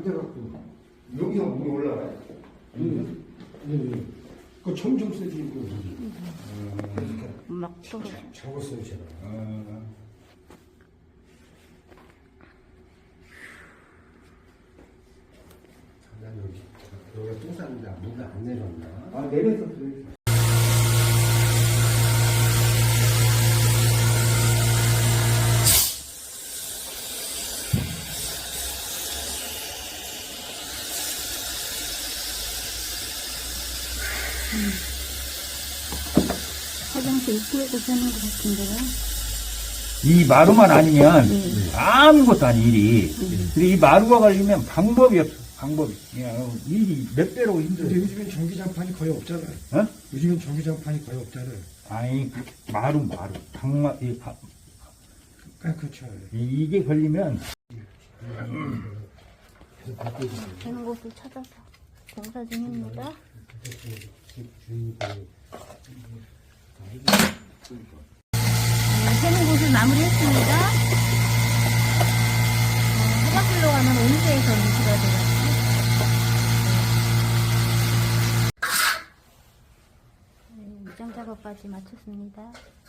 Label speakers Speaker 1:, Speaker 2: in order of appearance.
Speaker 1: 안 돼갖고.
Speaker 2: 여기서 물이 올라가요.
Speaker 1: 그 점점 세지고.
Speaker 3: 막 떨어져.
Speaker 1: 적었어요, 제가.
Speaker 2: 난 여기가 똥 쌌는데 물이 안 내렸나?
Speaker 1: 아, 내렸었어요.
Speaker 3: 화장실 입구에도 되는 것 같은데요.
Speaker 4: 이 마루만 아니면 아무것도 아니 일이. 근데 이 마루가 걸리면 방법이 없어. 방법이. 그냥 일이 몇 배로
Speaker 1: 근데
Speaker 4: 힘들어요.
Speaker 1: 요즘엔 전기장판이 거의 없잖아요.
Speaker 4: 어?
Speaker 1: 요즘엔 전기장판이 거의 없잖아요.
Speaker 4: 아니 마루. 방마
Speaker 1: 그렇죠.
Speaker 4: 이게 걸리면
Speaker 3: 되는 곳을 찾아서 공사 중입니다. 되는 곳을 마무리했습니다. 화장실로 가면 온수에서 인수가 돼가지고. 미장 작업까지 마쳤습니다.